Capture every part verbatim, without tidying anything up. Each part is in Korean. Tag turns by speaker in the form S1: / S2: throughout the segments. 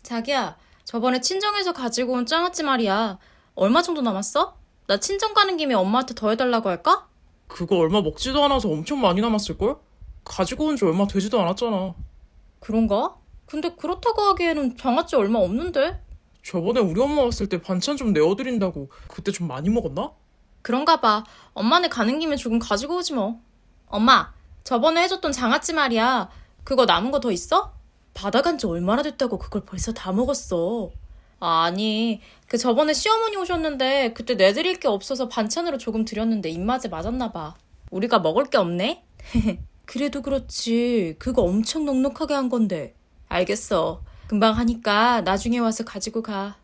S1: 자기야, 저번에 친정에서 가지고 온 장아찌 말이야. 얼마 정도 남았어? 나 친정 가는 김에 엄마한테 더 해달라고 할까?
S2: 그거 얼마 먹지도 않아서 엄청 많이 남았을걸? 가지고 온 지 얼마 되지도 않았잖아.
S1: 그런가? 근데 그렇다고 하기에는 장아찌 얼마 없는데?
S2: 저번에 우리 엄마 왔을 때 반찬 좀 내어드린다고 그때 좀 많이 먹었나?
S1: 그런가 봐. 엄마네 가는 김에 조금 가지고 오지 뭐. 엄마, 저번에 해줬던 장아찌 말이야. 그거 남은 거 더 있어? 받아간 지 얼마나 됐다고 그걸 벌써 다 먹었어. 아니, 그 저번에 시어머니 오셨는데 그때 내드릴 게 없어서 반찬으로 조금 드렸는데 입맛에 맞았나 봐. 우리가 먹을 게 없네? 그래도 그렇지. 그거 엄청 넉넉하게 한 건데. 알겠어. 금방 하니까 나중에 와서 가지고 가.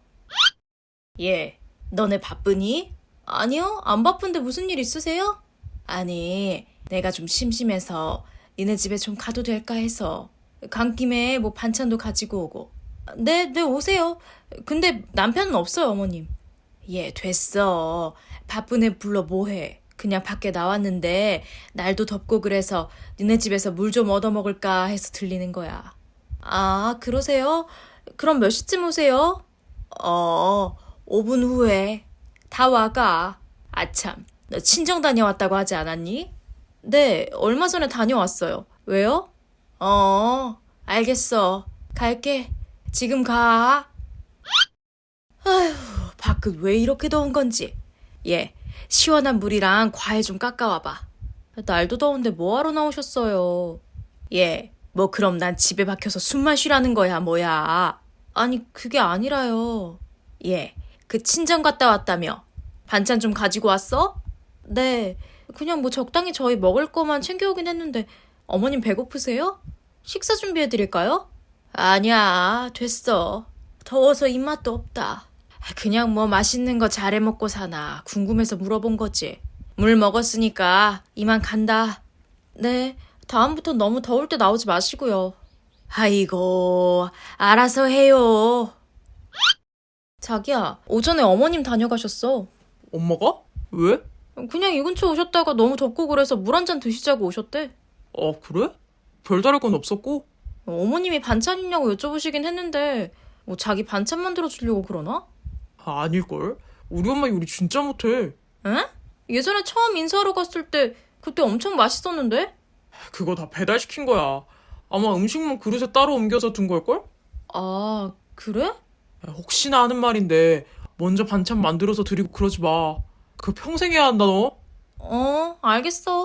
S1: 예, 너네 바쁘니? 아니요, 안 바쁜데 무슨 일 있으세요? 아니, 내가 좀 심심해서 니네 집에 좀 가도 될까 해서. 간 김에 뭐 반찬도 가지고 오고. 네, 네, 오세요. 근데 남편은 없어요, 어머님. 예, 됐어. 바쁜 애 불러 뭐해. 그냥 밖에 나왔는데 날도 덥고 그래서 니네 집에서 물 좀 얻어먹을까 해서 들리는 거야. 아, 그러세요? 그럼 몇 시쯤 오세요? 어, 오 분 후에. 다 와가. 아참, 너 친정 다녀왔다고 하지 않았니? 네, 얼마 전에 다녀왔어요. 왜요? 어, 알겠어. 갈게. 지금 가. 아휴, 밖은 왜 이렇게 더운 건지. 예, 시원한 물이랑 과일 좀 깎아와봐. 날도 더운데 뭐하러 나오셨어요? 예, 뭐 그럼 난 집에 박혀서 숨만 쉬라는 거야, 뭐야. 아니, 그게 아니라요. 예, 그 친정 갔다 왔다며. 반찬 좀 가지고 왔어? 네, 그냥 뭐 적당히 저희 먹을 거만 챙겨오긴 했는데 어머님 배고프세요? 식사 준비해드릴까요? 아니야, 됐어. 더워서 입맛도 없다. 그냥 뭐 맛있는 거 잘해 먹고 사나 궁금해서 물어본 거지. 물 먹었으니까 이만 간다. 네, 다음부턴 너무 더울 때 나오지 마시고요. 아이고, 알아서 해요. 자기야, 오전에 어머님 다녀가셨어.
S2: 엄마가? 왜?
S1: 그냥 이 근처 오셨다가 너무 덥고 그래서 물 한 잔 드시자고 오셨대.
S2: 아, 그래? 별다를 건 없었고?
S1: 어머님이 반찬 있냐고 여쭤보시긴 했는데 뭐 자기 반찬 만들어 주려고 그러나?
S2: 아, 아닐걸? 우리 엄마 요리 진짜 못해.
S1: 에? 예전에 처음 인사하러 갔을 때 그때 엄청 맛있었는데?
S2: 그거 다 배달시킨 거야. 아마 음식물 그릇에 따로 옮겨서 둔 걸걸?
S1: 아, 그래?
S2: 야, 혹시나 하는 말인데 먼저 반찬 만들어서 드리고 그러지 마. 그거 평생 해야 한다, 너.
S1: 어, 알겠어.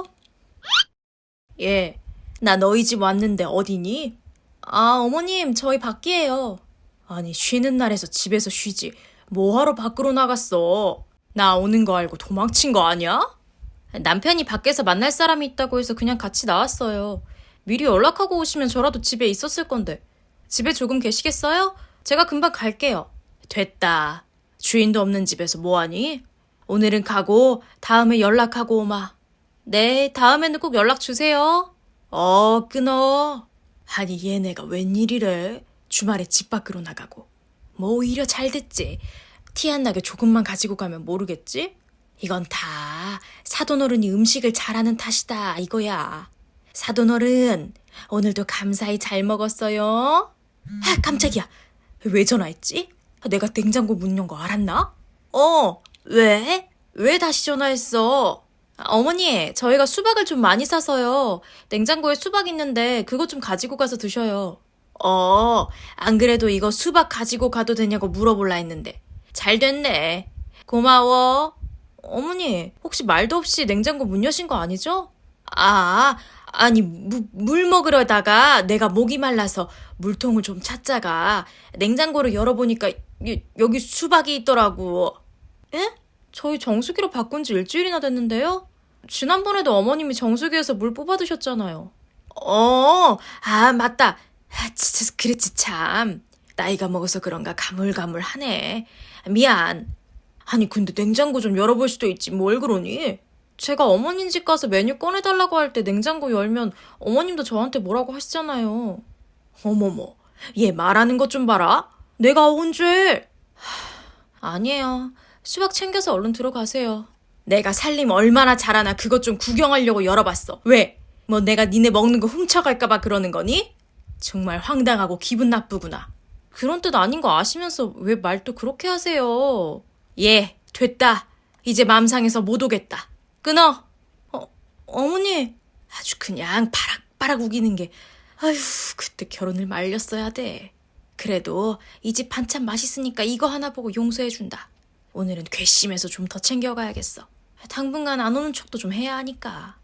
S1: 예, 나 너희 집 왔는데 어디니? 아, 어머님, 저희 밖이에요. 아니, 쉬는 날에서 집에서 쉬지. 뭐하러 밖으로 나갔어? 나 오는 거 알고 도망친 거 아니야? 남편이 밖에서 만날 사람이 있다고 해서 그냥 같이 나왔어요. 미리 연락하고 오시면 저라도 집에 있었을 건데. 집에 조금 계시겠어요? 제가 금방 갈게요. 됐다. 주인도 없는 집에서 뭐하니? 오늘은 가고 다음에 연락하고 오마. 네, 다음에는 꼭 연락 주세요. 어, 끊어. 아니, 얘네가 웬일이래? 주말에 집 밖으로 나가고. 뭐 오히려 잘 됐지. 티 안 나게 조금만 가지고 가면 모르겠지? 이건 다 사돈어른이 음식을 잘하는 탓이다, 이거야. 사돈어른, 오늘도 감사히 잘 먹었어요. 아, 깜짝이야. 왜 전화했지? 내가 냉장고 문 연 거 알았나? 어, 왜? 왜 다시 전화했어? 아, 어머니, 저희가 수박을 좀 많이 사서요. 냉장고에 수박 있는데 그거 좀 가지고 가서 드셔요. 어, 안 그래도 이거 수박 가지고 가도 되냐고 물어볼라 했는데. 잘 됐네. 고마워. 어머니, 혹시 말도 없이 냉장고 문 여신 거 아니죠? 아, 아니, 무, 물 먹으려다가 내가 목이 말라서 물통을 좀 찾자가 냉장고를 열어보니까 이- 여기 수박이 있더라고. 에? 저희 정수기로 바꾼 지 일주일이나 됐는데요? 지난번에도 어머님이 정수기에서 물 뽑아 드셨잖아요. 어, 아, 맞다. 아, 진짜 그랬지 참. 나이가 먹어서 그런가 가물가물하네. 미안. 아니, 근데 냉장고 좀 열어볼 수도 있지. 뭘 그러니? 제가 어머님 집 가서 메뉴 꺼내달라고 할 때 냉장고 열면 어머님도 저한테 뭐라고 하시잖아요. 어머머, 얘 말하는 것 좀 봐라. 내가 언제? 하, 아니에요. 수박 챙겨서 얼른 들어가세요. 내가 살림 얼마나 잘하나 그것 좀 구경하려고 열어봤어. 왜? 뭐 내가 니네 먹는 거 훔쳐갈까봐 그러는 거니? 정말 황당하고 기분 나쁘구나. 그런 뜻 아닌 거 아시면서 왜 말도 그렇게 하세요? 예, 됐다. 이제 맘상에서 못 오겠다. 끊어. 어, 어머니. 아주 그냥 바락바락 우기는 게 아휴 그때 결혼을 말렸어야 돼. 그래도 이 집 반찬 맛있으니까 이거 하나 보고 용서해준다. 오늘은 괘씸해서 좀 더 챙겨가야겠어. 당분간 안 오는 척도 좀 해야 하니까.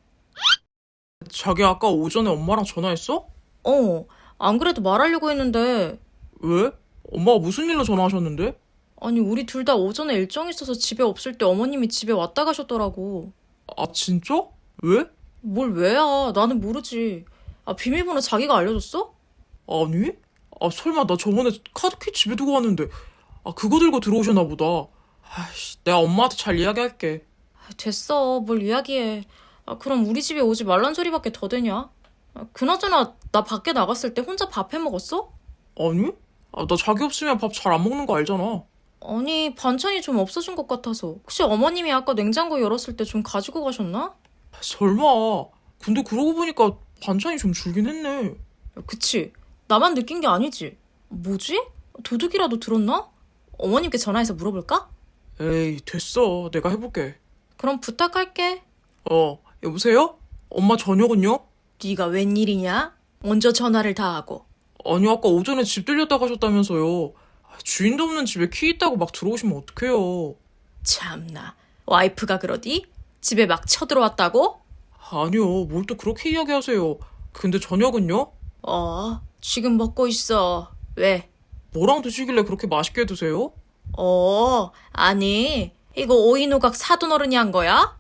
S2: 자기 아까 오전에 엄마랑 전화했어?
S1: 어, 안 그래도 말하려고 했는데
S2: 왜? 엄마가 무슨 일로 전화하셨는데?
S1: 아니 우리 둘 다 오전에 일정 있어서 집에 없을 때 어머님이 집에 왔다 가셨더라고.
S2: 아, 진짜? 왜?
S1: 뭘 왜야? 나는 모르지. 아, 비밀번호 자기가 알려줬어?
S2: 아니? 아, 설마 나 저번에 카드키 집에 두고 왔는데, 아, 그거 들고 들어오셨나 보다. 아이씨, 내가 엄마한테 잘 이야기할게.
S1: 아, 됐어. 뭘 이야기해. 아, 그럼 우리 집에 오지 말란 소리밖에 더 되냐? 아, 그나저나 나 밖에 나갔을 때 혼자 밥 해 먹었어?
S2: 아니? 아, 나 자기 없으면 밥 잘 안 먹는 거 알잖아.
S1: 아니, 반찬이 좀 없어진 것 같아서. 혹시 어머님이 아까 냉장고 열었을 때 좀 가지고 가셨나?
S2: 설마. 근데 그러고 보니까 반찬이 좀 줄긴 했네.
S1: 야, 그치? 나만 느낀 게 아니지? 뭐지? 도둑이라도 들었나? 어머님께 전화해서 물어볼까?
S2: 에이, 됐어. 내가 해볼게.
S1: 그럼 부탁할게.
S2: 어, 여보세요? 엄마 저녁은요?
S1: 네가 웬일이냐? 먼저 전화를 다 하고.
S2: 아니, 아까 오전에 집 들렸다 가셨다면서요. 아, 주인도 없는 집에 키 있다고 막 들어오시면 어떡해요.
S1: 참나. 와이프가 그러디? 집에 막 쳐들어왔다고?
S2: 아니요, 뭘 또 그렇게 이야기하세요. 근데 저녁은요?
S1: 어, 지금 먹고 있어. 왜?
S2: 뭐랑 드시길래 그렇게 맛있게 드세요?
S1: 어, 아니, 이거 오이노각 사돈 어른이 한 거야?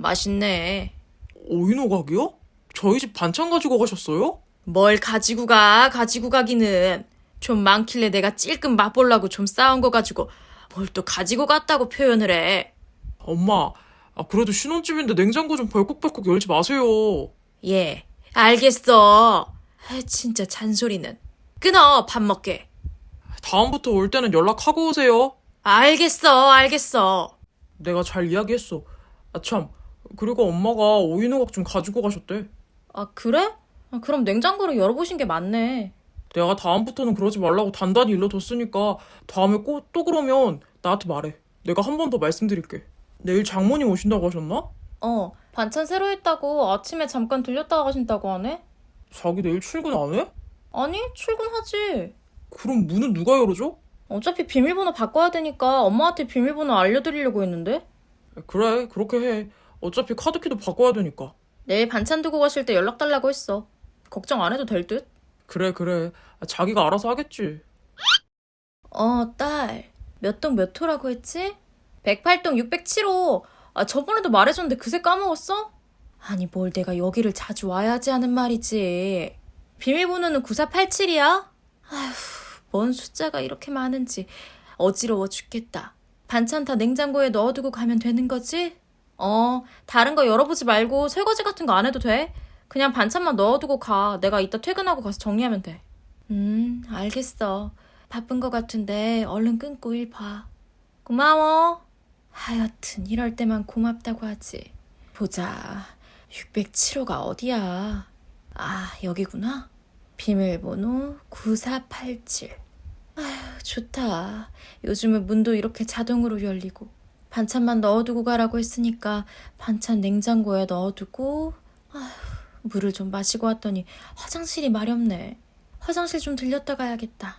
S1: 맛있네.
S2: 오이노각이요? 저희 집 반찬 가지고 가셨어요?
S1: 뭘 가지고 가, 가지고 가기는. 좀 많길래 내가 찔끔 맛보려고 좀 싸운 거 가지고 뭘 또 가지고 갔다고 표현을 해.
S2: 엄마, 아, 그래도 신혼집인데 냉장고 좀 벌컥벌컥 열지 마세요.
S1: 예, 알겠어. 아, 진짜 잔소리는. 끊어, 밥 먹게.
S2: 다음부터 올 때는 연락하고 오세요.
S1: 알겠어, 알겠어.
S2: 내가 잘 이야기했어. 아, 참. 그리고 엄마가 오이노각 좀 가지고 가셨대.
S1: 아, 그래? 아, 그럼 냉장고를 열어보신 게 맞네.
S2: 내가 다음부터는 그러지 말라고 단단히 일러뒀으니까 다음에 꼭 또 그러면 나한테 말해. 내가 한 번 더 말씀드릴게. 내일 장모님 오신다고 하셨나?
S1: 어, 반찬 새로 했다고 아침에 잠깐 들렸다 가신다고 하네?
S2: 자기 내일 출근 안 해?
S1: 아니, 출근하지.
S2: 그럼 문은 누가 열어줘?
S1: 어차피 비밀번호 바꿔야 되니까 엄마한테 비밀번호 알려드리려고 했는데.
S2: 그래, 그렇게 해. 어차피 카드키도 바꿔야 되니까.
S1: 내일 반찬 두고 가실 때 연락 달라고 했어. 걱정 안 해도 될 듯?
S2: 그래, 그래. 자기가 알아서 하겠지.
S1: 어, 딸. 몇 동 몇 호라고 했지? 백팔 동 육백칠 호. 아, 저번에도 말해줬는데 그새 까먹었어? 아니, 뭘 내가 여기를 자주 와야지 하는 말이지. 비밀번호는 구사팔칠이야? 아휴, 뭔 숫자가 이렇게 많은지 어지러워 죽겠다. 반찬 다 냉장고에 넣어두고 가면 되는 거지? 어, 다른 거 열어보지 말고 설거지 같은 거 안 해도 돼. 그냥 반찬만 넣어두고 가. 내가 이따 퇴근하고 가서 정리하면 돼. 음, 알겠어. 바쁜 거 같은데 얼른 끊고 일 봐. 고마워. 하여튼 이럴 때만 고맙다고 하지. 보자. 육백칠 호가 어디야? 아, 여기구나. 비밀번호 구사팔칠. 아휴, 좋다. 요즘은 문도 이렇게 자동으로 열리고. 반찬만 넣어두고 가라고 했으니까 반찬 냉장고에 넣어두고. 아휴, 물을 좀 마시고 왔더니 화장실이 마렵네. 화장실 좀 들렸다 가야겠다.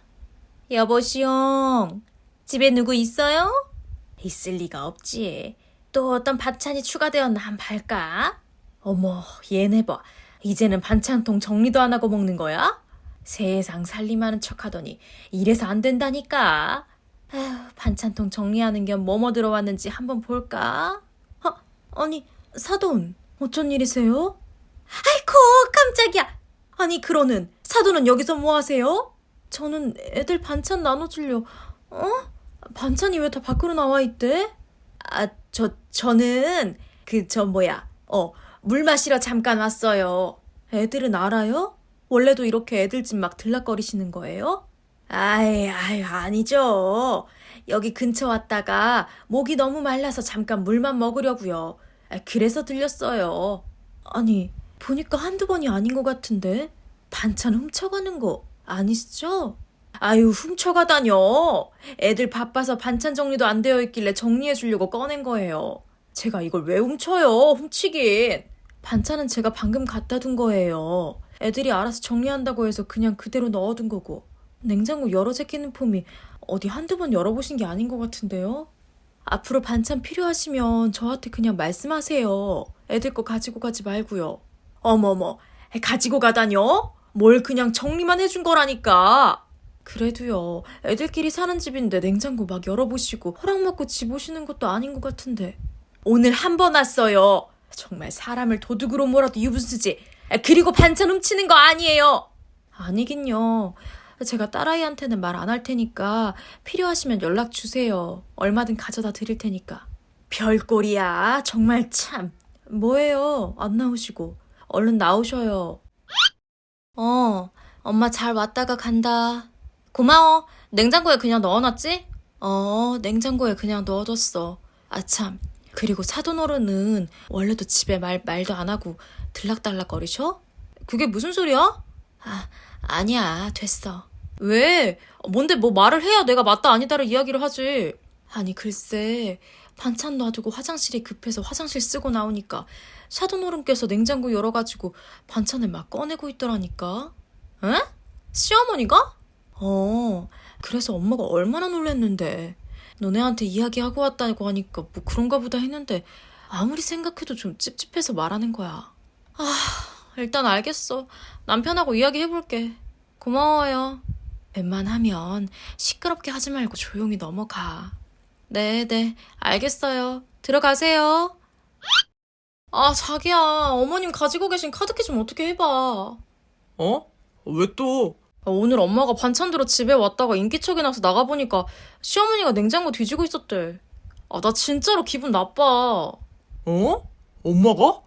S1: 여보시옹, 집에 누구 있어요? 있을 리가 없지. 또 어떤 반찬이 추가되었나 한번 볼까? 어머, 얘네 봐. 이제는 반찬통 정리도 안 하고 먹는 거야? 세상 살림하는 척하더니 이래서 안 된다니까. 아휴, 반찬통 정리하는 겸 뭐뭐 들어왔는지 한번 볼까? 어, 아니, 사돈, 어쩐 일이세요? 아이고, 깜짝이야. 아니, 그러는 사돈은 여기서 뭐 하세요? 저는 애들 반찬 나눠주려. 어? 반찬이 왜 다 밖으로 나와 있대? 아, 저, 저는 그, 저 뭐야, 어, 물 마시러 잠깐 왔어요. 애들은 알아요? 원래도 이렇게 애들 집 막 들락거리시는 거예요? 아이, 아이, 아니죠. 여기 근처 왔다가 목이 너무 말라서 잠깐 물만 먹으려고요. 아, 그래서 들렸어요. 아니, 보니까 한두 번이 아닌 것 같은데? 반찬 훔쳐가는 거 아니시죠? 아유, 훔쳐가다녀. 애들 바빠서 반찬 정리도 안 되어 있길래 정리해주려고 꺼낸 거예요. 제가 이걸 왜 훔쳐요? 훔치긴. 반찬은 제가 방금 갖다 둔 거예요. 애들이 알아서 정리한다고 해서 그냥 그대로 넣어둔 거고. 냉장고 열어 제끼는 폼이 어디 한두 번 열어보신 게 아닌 것 같은데요? 앞으로 반찬 필요하시면 저한테 그냥 말씀하세요. 애들 거 가지고 가지 말고요. 어머머, 가지고 가다녀? 뭘 그냥 정리만 해준 거라니까. 그래도요, 애들끼리 사는 집인데 냉장고 막 열어보시고 허락 받고 집 오시는 것도 아닌 것 같은데. 오늘 한 번 왔어요. 정말 사람을 도둑으로 몰아도 유분수지. 그리고 반찬 훔치는 거 아니에요. 아니긴요. 제가 딸아이한테는 말 안 할 테니까 필요하시면 연락 주세요. 얼마든 가져다 드릴 테니까. 별꼴이야. 정말 참. 뭐예요? 안 나오시고. 얼른 나오셔요. 어, 엄마 잘 왔다가 간다. 고마워. 냉장고에 그냥 넣어놨지? 어, 냉장고에 그냥 넣어뒀어. 아참. 그리고 사돈어른은 원래도 집에 말, 말도 안 하고 들락달락거리셔? 그게 무슨 소리야? 아, 아니야. 됐어. 왜? 뭔데 뭐 말을 해야 내가 맞다 아니다를 이야기를 하지. 아니 글쎄 반찬 놔두고 화장실이 급해서 화장실 쓰고 나오니까 사돈어른께서 냉장고 열어가지고 반찬을 막 꺼내고 있더라니까. 에? 시어머니가? 어, 그래서 엄마가 얼마나 놀랬는데. 너네한테 이야기하고 왔다고 하니까 뭐 그런가 보다 했는데 아무리 생각해도 좀 찝찝해서 말하는 거야. 아, 일단 알겠어. 남편하고 이야기해볼게. 고마워요. 웬만하면 시끄럽게 하지 말고 조용히 넘어가. 네네, 알겠어요. 들어가세요. 아, 자기야. 어머님 가지고 계신 카드키 좀 어떻게 해봐.
S2: 어? 왜 또?
S1: 아, 오늘 엄마가 반찬 들어 집에 왔다가 인기척이 나서 나가보니까 시어머니가 냉장고 뒤지고 있었대. 아, 나 진짜로 기분 나빠.
S2: 어? 엄마가?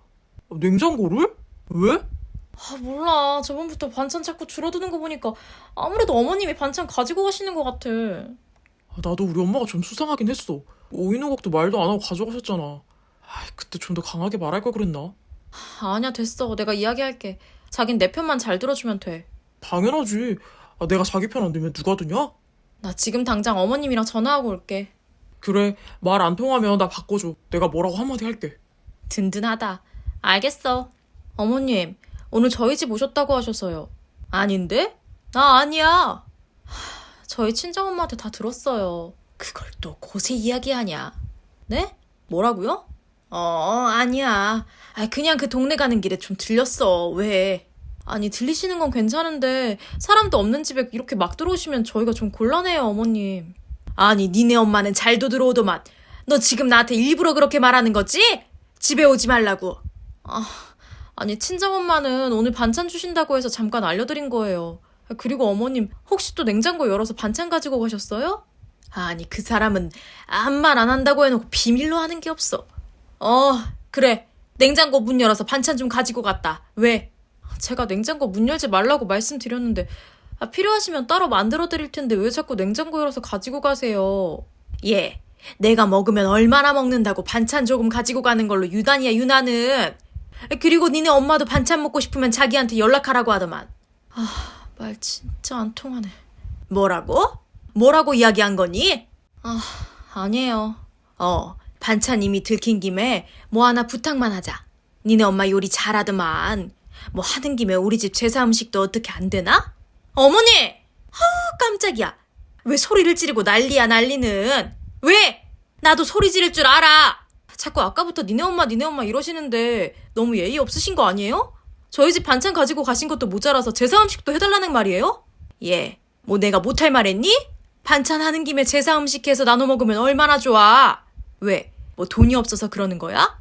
S2: 냉장고를? 왜?
S1: 아, 몰라. 저번부터 반찬 자꾸 줄어드는 거 보니까 아무래도 어머님이 반찬 가지고 가시는 것 같아.
S2: 아, 나도 우리 엄마가 좀 수상하긴 했어. 오이노국도 말도 안 하고 가져가셨잖아. 아, 그때 좀 더 강하게 말할 걸 그랬나?
S1: 아, 아니야, 됐어. 내가 이야기할게. 자긴 내 편만 잘 들어주면 돼.
S2: 당연하지. 아, 내가 자기 편 안 들면 누가 드냐?
S1: 나 지금 당장 어머님이랑 전화하고 올게.
S2: 그래, 말 안 통하면 나 바꿔줘. 내가 뭐라고 한마디 할게.
S1: 든든하다. 알겠어. 어머님, 오늘 저희 집 오셨다고 하셔서요. 아닌데? 나 아니야. 하, 저희 친정엄마한테 다 들었어요. 그걸 또 곳에 이야기하냐? 네? 뭐라고요? 어, 아니야. 아, 그냥 그 동네 가는 길에 좀 들렸어. 왜? 아니, 들리시는 건 괜찮은데 사람도 없는 집에 이렇게 막 들어오시면 저희가 좀 곤란해요, 어머님. 아니, 니네 엄마는 잘도 들어오더만. 너 지금 나한테 일부러 그렇게 말하는 거지? 집에 오지 말라고. 아, 아니, 친정엄마는 오늘 반찬 주신다고 해서 잠깐 알려드린 거예요. 그리고 어머님, 혹시 또 냉장고 열어서 반찬 가지고 가셨어요? 아니, 그 사람은 아무 말 안 한다고 해놓고 비밀로 하는 게 없어. 어, 그래. 냉장고 문 열어서 반찬 좀 가지고 갔다. 왜? 제가 냉장고 문 열지 말라고 말씀드렸는데 아, 필요하시면 따로 만들어 드릴 텐데 왜 자꾸 냉장고 열어서 가지고 가세요? 예, 내가 먹으면 얼마나 먹는다고 반찬 조금 가지고 가는 걸로 유난이야, 유나는. 그리고 니네 엄마도 반찬 먹고 싶으면 자기한테 연락하라고 하더만. 아, 말 진짜 안 통하네. 뭐라고? 뭐라고 이야기한 거니? 아, 아니에요. 어, 반찬 이미 들킨 김에 뭐 하나 부탁만 하자. 니네 엄마 요리 잘하더만. 뭐 하는 김에 우리 집 제사 음식도 어떻게 안 되나? 어머니! 아우, 깜짝이야. 왜 소리를 지르고 난리야, 난리는. 왜? 나도 소리 지를 줄 알아. 자꾸 아까부터 니네 엄마 니네 엄마 이러시는데 너무 예의 없으신 거 아니에요? 저희 집 반찬 가지고 가신 것도 모자라서 제사 음식도 해달라는 말이에요? 예, 뭐 내가 못할 말 했니? 반찬 하는 김에 제사 음식 해서 나눠 먹으면 얼마나 좋아. 왜? 뭐 돈이 없어서 그러는 거야?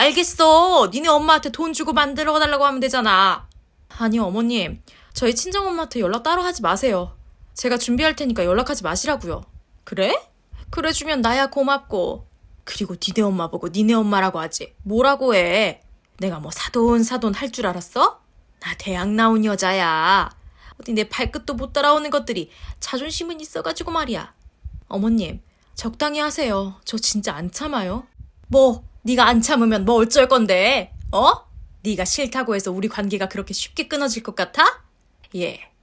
S1: 알겠어. 니네 엄마한테 돈 주고 만들어 달라고 하면 되잖아. 아니, 어머님. 저희 친정엄마한테 연락 따로 하지 마세요. 제가 준비할 테니까 연락하지 마시라고요. 그래? 그래 주면 나야 고맙고. 그리고 니네 엄마 보고 니네 엄마라고 하지. 뭐라고 해. 내가 뭐 사돈 사돈 할 줄 알았어? 나 대학 나온 여자야. 어디 내 발끝도 못 따라오는 것들이 자존심은 있어가지고 말이야. 어머님, 적당히 하세요. 저 진짜 안 참아요. 뭐, 네가 안 참으면 뭐 어쩔 건데? 어? 네가 싫다고 해서 우리 관계가 그렇게 쉽게 끊어질 것 같아? 예,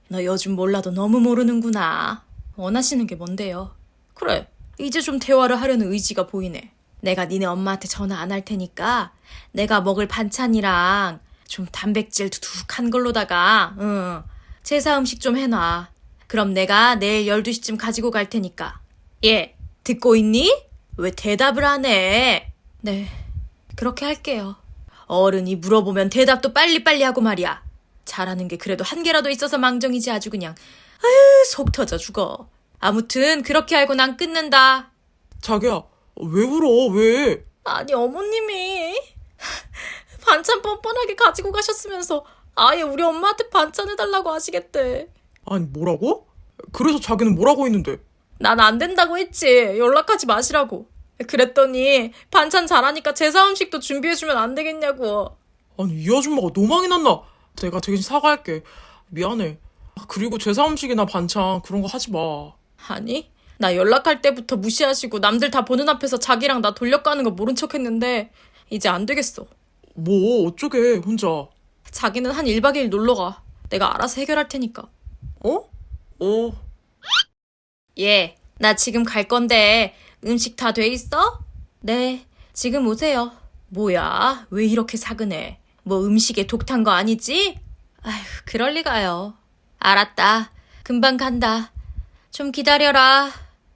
S1: 너 요즘 몰라도 너무 모르는구나. 원하시는 게 뭔데요? 그래, 이제 좀 대화를 하려는 의지가 보이네. 내가 니네 엄마한테 전화 안 할 테니까 내가 먹을 반찬이랑 좀 단백질 두둑한 걸로다가 응, 제사 음식 좀 해놔. 그럼 내가 내일 열두 시쯤 가지고 갈 테니까. 예, 듣고 있니? 왜 대답을 안 해? 네, 그렇게 할게요. 어른이 물어보면 대답도 빨리빨리 하고 말이야. 잘하는 게 그래도 한 개라도 있어서 망정이지 아주 그냥. 아유, 속 터져 죽어. 아무튼 그렇게 알고 난 끊는다.
S2: 자기야, 왜 울어? 왜?
S1: 아니 어머님이 반찬 뻔뻔하게 가지고 가셨으면서 아예 우리 엄마한테 반찬 해달라고 하시겠대.
S2: 아니, 뭐라고? 그래서 자기는 뭐라고 했는데?
S1: 난 안 된다고 했지. 연락하지 마시라고. 그랬더니 반찬 잘하니까 제사 음식도 준비해주면 안 되겠냐고.
S2: 아니, 이 아줌마가 노망이 났나? 내가 대신 사과할게. 미안해. 아, 그리고 제사 음식이나 반찬 그런 거 하지 마.
S1: 아니, 나 연락할 때부터 무시하시고 남들 다 보는 앞에서 자기랑 나 돌려가는 거 모른 척 했는데 이제 안 되겠어.
S2: 뭐 어쩌게 혼자.
S1: 자기는 한 일 박 이 일 놀러 가. 내가 알아서 해결할 테니까.
S2: 어? 어.
S1: 예, 나 지금 갈 건데 음식 다 돼 있어? 네, 지금 오세요. 뭐야, 왜 이렇게 사그네? 뭐 음식에 독 탄 거 아니지? 아휴, 그럴 리가요. 알았다. 금방 간다. 좀 기다려라.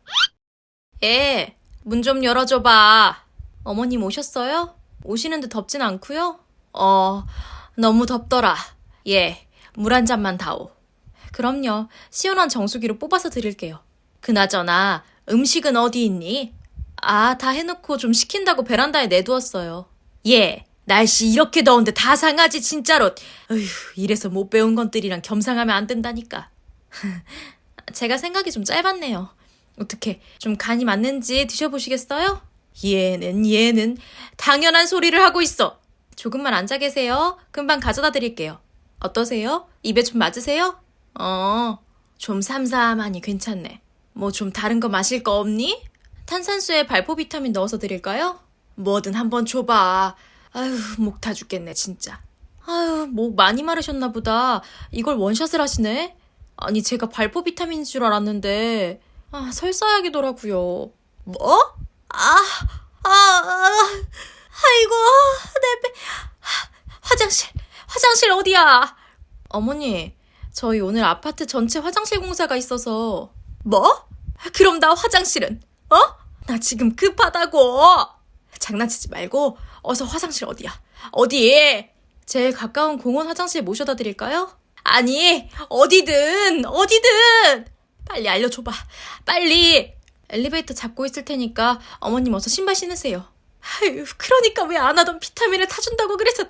S1: 예, 문 좀 열어줘봐. 어머님 오셨어요? 오시는데 덥진 않고요? 어, 너무 덥더라. 예, 물 한 잔만 다오. 그럼요. 시원한 정수기로 뽑아서 드릴게요. 그나저나 음식은 어디 있니? 아, 다 해놓고 좀 식힌다고 베란다에 내두었어요. 예, 날씨 이렇게 더운데 다 상하지 진짜로. 어휴, 이래서 못 배운 것들이랑 겸상하면 안 된다니까. 제가 생각이 좀 짧았네요. 어떻게 좀 간이 맞는지 드셔보시겠어요? 얘는 얘는 당연한 소리를 하고 있어. 조금만 앉아 계세요. 금방 가져다 드릴게요. 어떠세요? 입에 좀 맞으세요? 어, 좀 삼삼하니 괜찮네. 뭐 좀 다른 거 마실 거 없니? 탄산수에 발포 비타민 넣어서 드릴까요? 뭐든 한번 줘봐. 아유, 목 다 죽겠네 진짜. 아유, 목 많이 마르셨나 보다. 이걸 원샷을 하시네? 아니, 제가 발포 비타민인 줄 알았는데 아, 설사약이더라고요. 뭐? 아, 아, 아, 아이고, 내 배. 화장실, 화장실 어디야? 어머니, 저희 오늘 아파트 전체 화장실 공사가 있어서. 뭐? 그럼 나 화장실은? 어? 나 지금 급하다고. 장난치지 말고 어서 화장실 어디야? 어디? 제일 가까운 공원 화장실 모셔다 드릴까요? 아니, 어디든, 어디든! 빨리 알려줘봐. 빨리! 엘리베이터 잡고 있을 테니까 어머님 어서 신발 신으세요. 아유, 그러니까 왜 안 하던 비타민을 타준다고 그래서.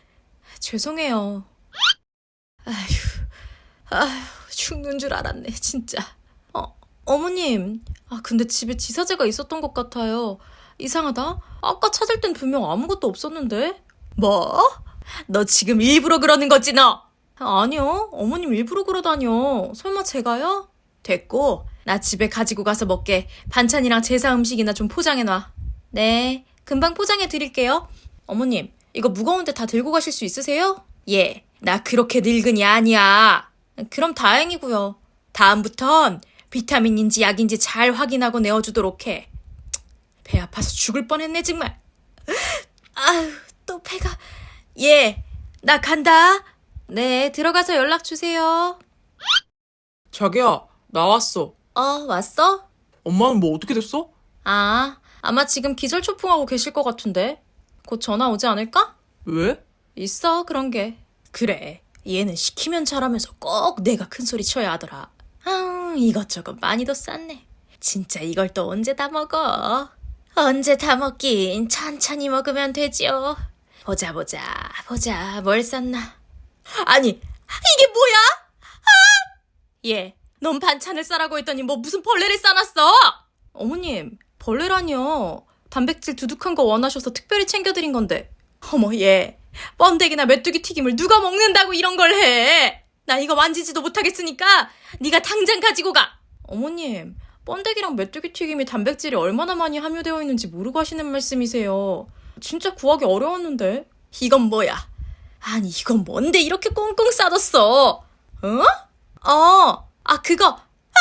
S1: 죄송해요. 아휴, 아휴, 죽는 줄 알았네, 진짜. 어, 어머님. 아, 근데 집에 지사제가 있었던 것 같아요. 이상하다. 아까 찾을 땐 분명 아무것도 없었는데. 뭐? 너 지금 일부러 그러는 거지, 너? 아니요. 어머님 일부러 그러다뇨. 설마 제가요? 됐고, 나 집에 가지고 가서 먹게. 반찬이랑 제사 음식이나 좀 포장해놔. 네, 금방 포장해 드릴게요. 어머님, 이거 무거운데 다 들고 가실 수 있으세요? 예, 나 그렇게 늙은이 아니야. 그럼 다행이고요. 다음부턴 비타민인지 약인지 잘 확인하고 내어주도록 해. 배 아파서 죽을 뻔했네 정말. 아유, 또 배가. 예, 나 간다. 네, 들어가서 연락 주세요.
S2: 자기야, 나왔어.
S1: 어, 왔어?
S2: 엄마는 뭐 어떻게 됐어?
S1: 아, 아마 지금 기절초풍하고 계실 것 같은데. 곧 전화 오지 않을까?
S2: 왜?
S1: 있어, 그런 게. 그래, 얘는 시키면 잘하면서 꼭 내가 큰 소리 쳐야 하더라. 아, 이것저것 많이도 쌌네. 진짜 이걸 또 언제 다 먹어? 언제 다 먹긴 천천히 먹으면 되지요. 보자 보자 보자 뭘 쌌나. 아니, 이게 뭐야? 아! 얘, 넌 반찬을 싸라고 했더니 뭐 무슨 벌레를 싸놨어? 어머님, 벌레라뇨. 단백질 두둑한 거 원하셔서 특별히 챙겨드린 건데. 어머, 얘, 뻔데기나 메뚜기 튀김을 누가 먹는다고 이런 걸 해? 나 이거 만지지도 못하겠으니까 네가 당장 가지고 가. 어머님, 번데기랑 메뚜기 튀김이 단백질이 얼마나 많이 함유되어 있는지 모르고 하시는 말씀이세요. 진짜 구하기 어려웠는데. 이건 뭐야? 아니, 이건 뭔데 이렇게 꽁꽁 싸뒀어? 어? 어, 아, 그거. 아!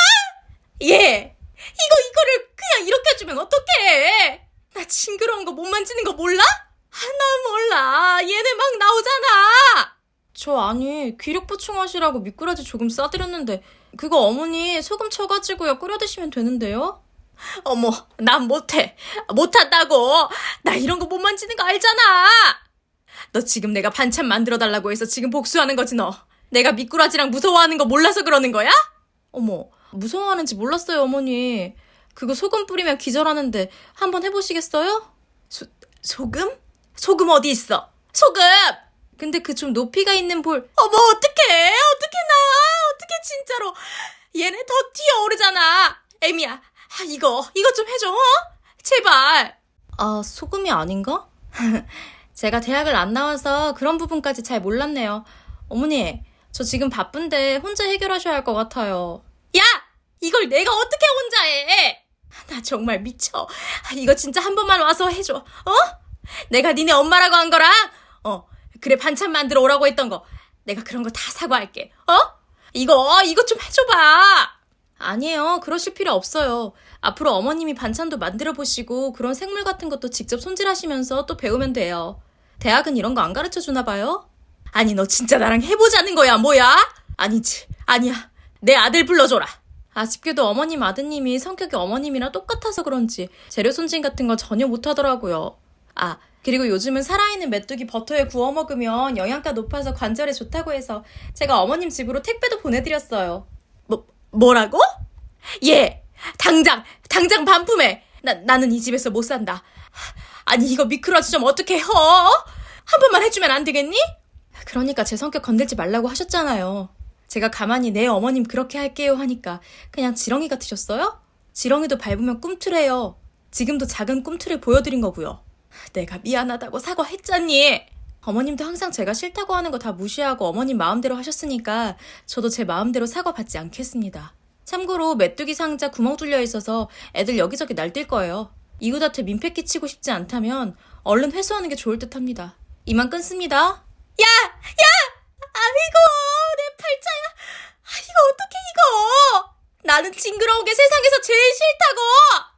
S1: 예. 이거, 이거를 그냥 이렇게 해주면 어떡해. 나 징그러운 거 못 만지는 거 몰라? 아, 나 몰라. 얘네 막 나오잖아. 저 아니, 기력 보충하시라고 미꾸라지 조금 싸드렸는데, 그거 어머니 소금 쳐가지고요 끓여 드시면 되는데요? 어머, 난 못해. 못한다고. 나 이런 거 못 만지는 거 알잖아. 너 지금 내가 반찬 만들어 달라고 해서 지금 복수하는 거지 너. 내가 미꾸라지랑 무서워하는 거 몰라서 그러는 거야? 어머, 무서워하는지 몰랐어요 어머니. 그거 소금 뿌리면 기절하는데 한번 해보시겠어요? 소, 소금? 소금 어디 있어? 소금! 근데 그 좀 높이가 있는 볼. 어머 어떡해 어떡해 나 어떡해 진짜로. 얘네 더 튀어오르잖아. 애미야, 아, 이거 이거 좀 해줘 어? 제발. 아, 소금이 아닌가? 제가 대학을 안 나와서 그런 부분까지 잘 몰랐네요. 어머니, 저 지금 바쁜데 혼자 해결하셔야 할 것 같아요. 야! 이걸 내가 어떻게 혼자 해? 나 정말 미쳐. 이거 진짜 한 번만 와서 해줘. 어? 내가 니네 엄마라고 한 거랑 어 그래 반찬 만들어 오라고 했던 거 내가 그런 거 다 사과할게. 어? 이거 이거 좀 해줘봐. 아니에요. 그러실 필요 없어요. 앞으로 어머님이 반찬도 만들어 보시고 그런 생물 같은 것도 직접 손질하시면서 또 배우면 돼요. 대학은 이런 거 안 가르쳐 주나 봐요? 아니 너 진짜 나랑 해보자는 거야 뭐야? 아니지. 아니야. 내 아들 불러줘라. 아쉽게도 어머님 아드님이 성격이 어머님이랑 똑같아서 그런지 재료 손질 같은 거 전혀 못하더라고요. 아, 그리고 요즘은 살아있는 메뚜기 버터에 구워 먹으면 영양가 높아서 관절에 좋다고 해서 제가 어머님 집으로 택배도 보내드렸어요. 뭐, 뭐라고? 예, 당장, 당장 반품해. 나, 나는 이 집에서 못 산다. 아니 이거 미끄러지 좀 어떻게 해? 어? 한 번만 해주면 안 되겠니? 그러니까 제 성격 건들지 말라고 하셨잖아요. 제가 가만히 내 어머님 그렇게 할게요 하니까 그냥 지렁이 같으셨어요? 지렁이도 밟으면 꿈틀해요. 지금도 작은 꿈틀을 보여드린 거고요. 내가 미안하다고 사과했잖니. 어머님도 항상 제가 싫다고 하는 거 다 무시하고 어머님 마음대로 하셨으니까 저도 제 마음대로 사과받지 않겠습니다. 참고로 메뚜기 상자 구멍 뚫려 있어서 애들 여기저기 날뛸 거예요. 이웃한테 민폐 끼치고 싶지 않다면 얼른 회수하는 게 좋을 듯 합니다. 이만 끊습니다. 야! 야! 아이고 내 팔자야. 아, 이거 어떡해 이거. 나는 징그러운 게 세상에서 제일 싫다고.